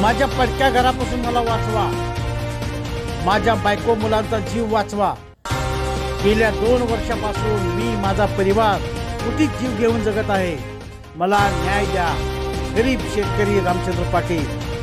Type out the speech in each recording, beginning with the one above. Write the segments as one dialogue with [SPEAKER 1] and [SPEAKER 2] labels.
[SPEAKER 1] माझ्या पडक्या घरापासून मला वाचवा, माझ्या बायको मुलांचा जीव वाचवा। गेल्या 2 वर्षापासून मी माझा परिवार कुठीच जीव घेऊन जगत आहे। मला न्याय द्या। गरीब शेतकरी रामचंद्र पाटील।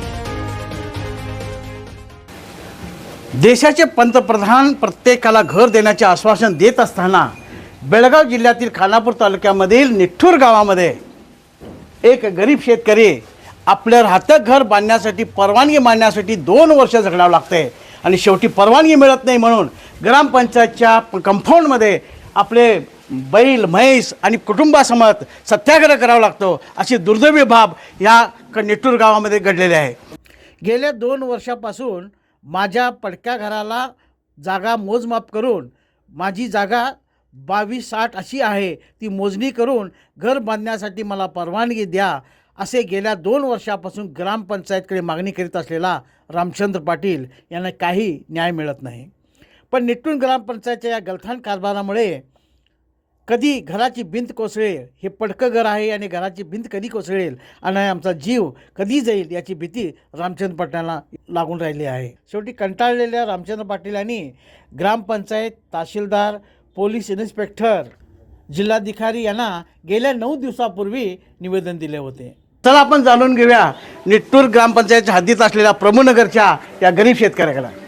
[SPEAKER 1] देशाचे पंतप्रधान प्रत्येकाला घर देण्याचे आश्वासन देत असताना बेळगाव जिल्ह्यातील खानापूर तालुक्यामधील निठ्ठूर गावामध्ये एक गरीब शेतकरी आपल्या राहतं घर बांधण्यासाठी परवानगी मागण्यासाठी 2 वर्ष झगडावं लागते आणि शेवटी परवानगी मिळत नाही म्हणून ग्रामपंचायतच्या कंपाऊंडमध्ये आपले बैल म्हैस आणि कुटुंबासमत सत्याग्रह करावा लागतो। अशी दुर्दैवी बाब या निठ्ठूर गावामध्ये घडलेली आहे। गेल्या 2 वर्षापासून माझ्या पडक्या घराला जागा मोजमाप करून माझी जागा 2260 अशी आहे, ती मोजणी करून घर बांधण्यासाठी मला परवानगी द्या असे गेल्या 2 वर्षापासून ग्रामपंचायतकडे मागणी करीत असलेला रामचंद्र पाटील यांना काही न्याय मिळत नाही। पण निठ्ठूर ग्रामपंचायतच्या या गलथान कारभारामुळे कधी घराची भिंत कोसळेल, हे पडकं घर आहे आणि घराची भिंत कधी कोसळेल आणि आमचा जीव कधी जाईल याची भीती रामचंद्र पाटलांना लागून राहिली आहे। शेवटी कंटाळलेल्या रामचंद्र पाटील यांनी ग्रामपंचायत, तहसीलदार, पोलीस इन्स्पेक्टर, जिल्हाधिकारी यांना गेल्या 9 दिवसापूर्वी निवेदन दिले होते। चला आपण जाणून घेऊया निठ्ठूर ग्रामपंचायतच्या हद्दीत असलेल्या प्रभूनगरच्या या गरीब शेतकऱ्याकडे।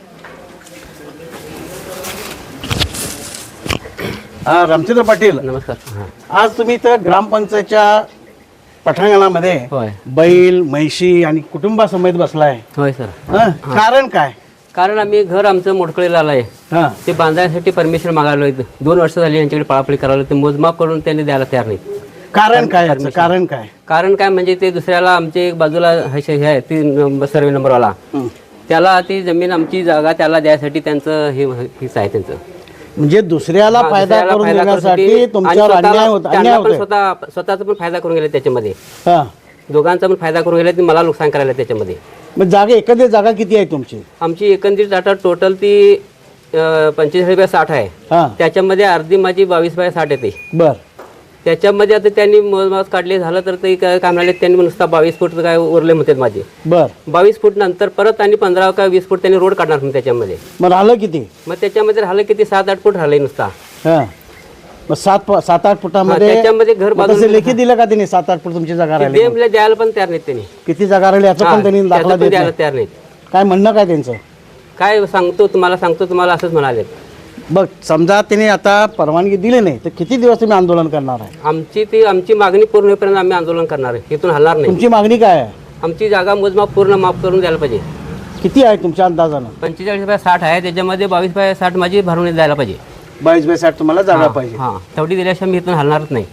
[SPEAKER 1] रामचंद्र पाटील,
[SPEAKER 2] नमस्कार।
[SPEAKER 1] आज तुम्ही तर ग्रामपंचायतच्या पटांगणामध्ये बैल म्हैशी आणि कुटुंबासमेत बसलाय।
[SPEAKER 2] होय सर।
[SPEAKER 1] कारण काय?
[SPEAKER 2] कारण आम्ही घर आमचं मोडकळीला आलंय, ते बांधण्यासाठी परमिशन मागायला 2 वर्ष झाली यांच्याकडे पळापळी करायला, ते मोजमाप करून त्यांनी द्यायला तयार नाहीत।
[SPEAKER 1] कारण काय? कारण काय?
[SPEAKER 2] कारण काय म्हणजे ते दुसऱ्याला आमचे एक बाजूला हे आहे ती सर्वे नंबरवाला, त्याला ती जमीन आमची जागा त्याला द्यायसाठी त्यांचं हेच आहे त्यांचं,
[SPEAKER 1] म्हणजे दुसऱ्याला फायदा करून देण्यासाठी तुमच्यावर अन्याय होतो।
[SPEAKER 2] स्वतःचा पण फायदा करून गेले त्याच्यामध्ये, दोघांचा पण फायदा करून गेले, मला नुकसान करायला त्याच्यामध्ये।
[SPEAKER 1] मग जागा एकंदर जागा किती आहे तुमची?
[SPEAKER 2] आमची एकंदरीत आता टोटल ती 45/60 आहे। त्याच्यामध्ये अर्धी माझी 22/60 येते।
[SPEAKER 1] बर,
[SPEAKER 2] त्याच्यामध्ये आता त्यांनी मोजमाप काढले झालं तर ते काय म्हणाले, त्यांनी नुसता 22 फूट काय उरले म्हणतात माझे। बर, 22 फूट नंतर परत आणि 15 का 20 फूट त्यांनी रोड काढणार म्हणून त्याच्यामध्ये।
[SPEAKER 1] मग राहिलं किती?
[SPEAKER 2] मग त्याच्यामध्ये राहिलं किती 7-8 फूट राहिले नुसता।
[SPEAKER 1] मग 7-8 फुटामध्ये
[SPEAKER 2] त्याच्यामध्ये घर बांधून
[SPEAKER 1] लेखी दिलं का त्यांनी? 7-8 फूट तुमची जागा राहिली,
[SPEAKER 2] द्यायला पण तयार नाहीत त्यांनी।
[SPEAKER 1] किती जागा राहिली याचं पण त्यांनी दाखला
[SPEAKER 2] द्यायला तयार नाहीत।
[SPEAKER 1] काय म्हणणं काय त्यांचं?
[SPEAKER 2] काय सांगतो तुम्हाला असंच म्हणाले।
[SPEAKER 1] बघ, समजा त्यांनी आता परवानगी दिली नाही तर किती दिवस तुम्ही आंदोलन करणार आहे?
[SPEAKER 2] आमची मागणी पूर्ण होईपर्यंत आम्ही आंदोलन करणार आहे, इथून हलणार नाही।
[SPEAKER 1] तुमची मागणी काय आहे?
[SPEAKER 2] आमची जागा मोजमाप पूर्ण माफ करून द्यायला पाहिजे।
[SPEAKER 1] किती आहे तुमच्या अंदाजानं?
[SPEAKER 2] 45/60 आहे, त्याच्यामध्ये 22/60 माझी भरून द्यायला पाहिजे।
[SPEAKER 1] 22/60 तुम्हाला जागा पाहिजे?
[SPEAKER 2] हां, तेवढी दिल्याशिवाय मी इथून हलणारच नाही।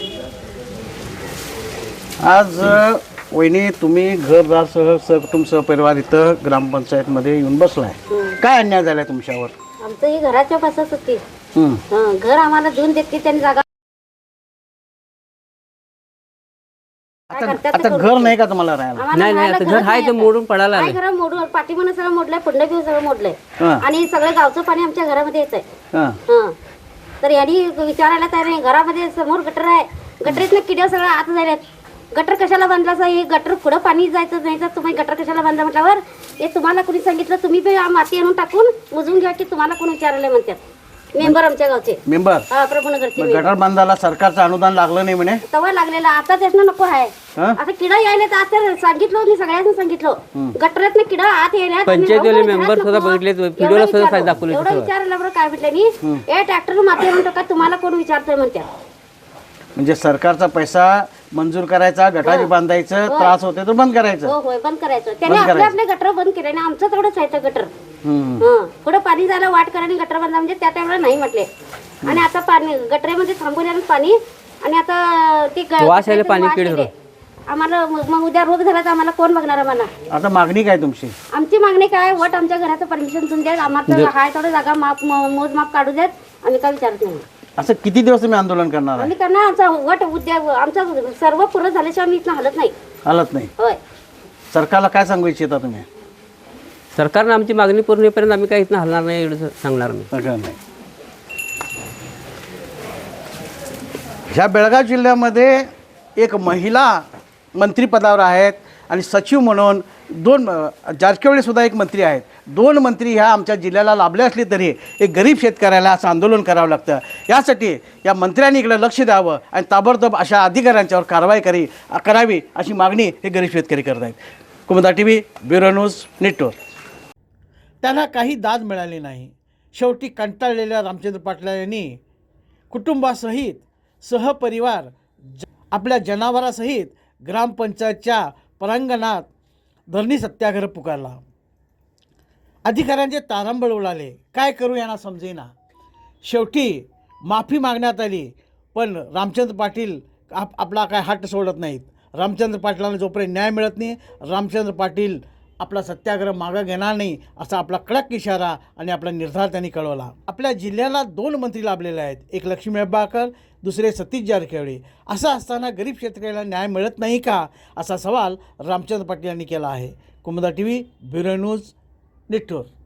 [SPEAKER 1] आज वहिनी, तुम्ही घरदारसह सहकुटुंब सहपरिवार इथं ग्रामपंचायतमध्ये येऊन बसलाय, काय अन्याय झालाय तुमच्यावर?
[SPEAKER 3] आमचं ही घराच्या बसत होती, घर आम्हाला देऊन देते त्यांनी जागा।
[SPEAKER 1] आता घर नाही का तुम्हाला राहायला?
[SPEAKER 2] नाही, आता घर आहे ते मोडून पडायला आलंय।
[SPEAKER 3] घर मोडून पाठीमागं सगळं मोडलंय, पुढलं बी सगळं मोडलंय आणि सगळं गावचं पाणी आमच्या घरामध्ये येतंय। तर यांनी विचारायला तयार नाही, घरामध्ये समोर गटर आहे, गटरीतनं किड्या सगळं आत झाल्यात। गटर कशाला बांधला? हे गटर पुढं पाणी जायचं नाही तर तुम्ही गटर कशाला बांधला म्हटल्यावर हे तुम्हाला कोणी सांगितलं? तुम्ही बी माती आणून टाकून मोजून घ्या की तुम्हाला कोण विचारले म्हणतात मेंबर, आमच्या गावचे मेंबर, प्रभूनगरचे।
[SPEAKER 1] गटर बांधायला सरकारचं अनुदान लागलं नाही म्हणे?
[SPEAKER 3] तवा लागलेला, आता त्यातनं नको आहे। आता किडा यायला तर आता सांगितलं, मी सगळ्यांना सांगितलं गटरातनं किडा आत यायला।
[SPEAKER 2] पंचायतीवाले मेंबर सुद्धा बघितले, व्हिडिओला सुद्धा दाखवले।
[SPEAKER 3] एवढं विचारलं बरं काय म्हटलं, हे ट्रॅक्टर माती आणून टाका, तुम्हाला कोण विचारतोय म्हणतात।
[SPEAKER 1] म्हणजे सरकारचा पैसा मंजूर करायचा, गटारी बांधायचं, त्रास होते तर बंद करायचं।
[SPEAKER 3] होय, बंद करायचं। त्याने आपले गटर बंद केले आणि आमचं तेवढंच आहे गटर। पुढे पाणी जायला वाट करायला गटर बांधा म्हणजे त्या टाइमला नाही म्हटले, आणि आता पाणी गटरेमध्ये थांबवले पाणी, आणि आता ते पाणी आम्हाला मग उद्या रोग झाला तर आम्हाला कोण बघणार? आम्हाला आता
[SPEAKER 1] मागणी काय तुमची?
[SPEAKER 3] आमची मागणी काय, वट आमच्या घराचं परमिशन तुम्ही द्या, आम्हाला हाय तेवढं जागा मोजमाप काढू देत, आम्ही काय विचारत नाही।
[SPEAKER 1] असं किती दिवस तुम्ही आंदोलन करणार?
[SPEAKER 3] आम्ही करणार, आमचा वट उद्या आमचा सर्व पूर्ण झाल्याशिवाय आम्ही इथं हलत नाही। हलत नाही? होय। सरकारला काय सांगू इच्छिता तुम्ही?
[SPEAKER 2] सरकारनं आमची मागणी पूर्ण होईपर्यंत आम्ही काही इथं हलणार नाही एवढं सांगणार नाही।
[SPEAKER 1] ह्या बेळगाव जिल्ह्यामध्ये एक महिला मंत्रिपदावर आहेत आणि सचिव म्हणून जारकिहोळीसुद्धा एक मंत्री आहेत, 2 मंत्री ह्या आमच्या जिल्ह्याला लाभले असले तरी एक गरीब शेतकऱ्याला असं आंदोलन करावं लागतं. यासाठी या मंत्र्यांनी इकडे लक्ष द्यावं आणि ताबडतोब अशा अधिकाऱ्यांच्यावर कारवाई करावी अशी मागणी हे गरीब शेतकरी करत आहेत. Kumuda TV, bureau news, Nittur. त्यांना काही दाद मिळाली नाही. शेवटी कंटाळलेल्या रामचंद्र पाटील यांनी कुटुंबासहित सहपरिवार आपल्या जनावरासहित ग्रामपंचायतच्या प्रांगणात धरणी सत्याग्रह पुकारला. अधिकाऱ्यांचे तारंबळ उडाले. काय करू यांना समजेना. शेवटी माफी मागण्यात आली, पण रामचंद्र पाटील आपला काय हट्ट सोडत नाहीत. रामचंद्र पाटलांना जोपर्यंत न्याय मिळत नाही, रामचंद्र पाटील आपला सत्याग्रह मागं घेणार नाही असा आपला कडक इशारा आणि आपला निर्धार त्यांनी कळवला. आपल्या जिल्ह्याला 2 मंत्री लाभलेले आहेत, एक लक्ष्मी हेब्बाळकर, दुसरे सतीश जारकिहोळी. असं असताना गरीब शेतकऱ्याला न्याय मिळत नाही का असा सवाल रामचंद्र पाटील यांनी केला आहे. Kumuda TV, bureau news, निट्टूर.